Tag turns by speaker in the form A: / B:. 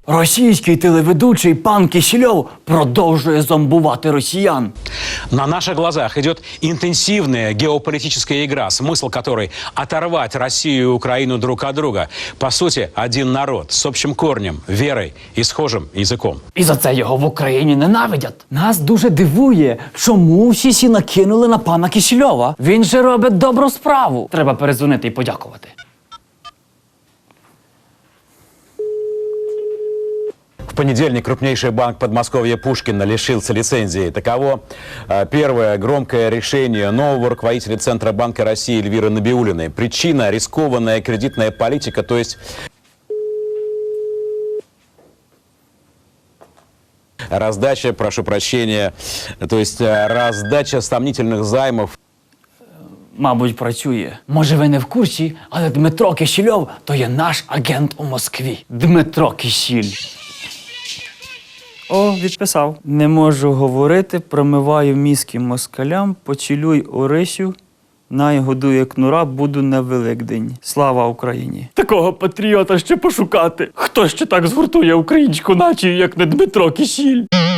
A: Російський телеведучий пан Кисельов продовжує зомбувати росіян.
B: На наших глазах идет интенсивная геополитическая игра, смысл которой – оторвать Россию и Украину друг от друга. По сути, один народ с общим корнем, верой и схожим языком.
A: І за це його в Україні ненавидять. Нас дуже дивує, чому всі накинули на пана Кисельова. Він же робить добру справу. Треба перезвонити і подякувати.
C: В понедельник крупнейший банк Подмосковья Пушкина лишился лицензии. Таково первое громкое решение нового руководителя Центробанка России Эльвиры Набиуллиной. Причина – рискованная кредитная политика, то есть раздача, прошу прощения, то есть раздача сомнительных займов.
A: Мабуть, працює. Може, ви не в курсі, але Дмитро Кисельов – то є наш агент у Москві. Дмитро Кисіль.
D: О, відписав. Не можу говорити, промиваю мізки москалям, поцілуй Орисю, най годує кнура, буду на Великдень. Слава Україні!
A: Такого патріота ще пошукати. Хто ще так згуртує українську націю, як не Дмитро Кисіль?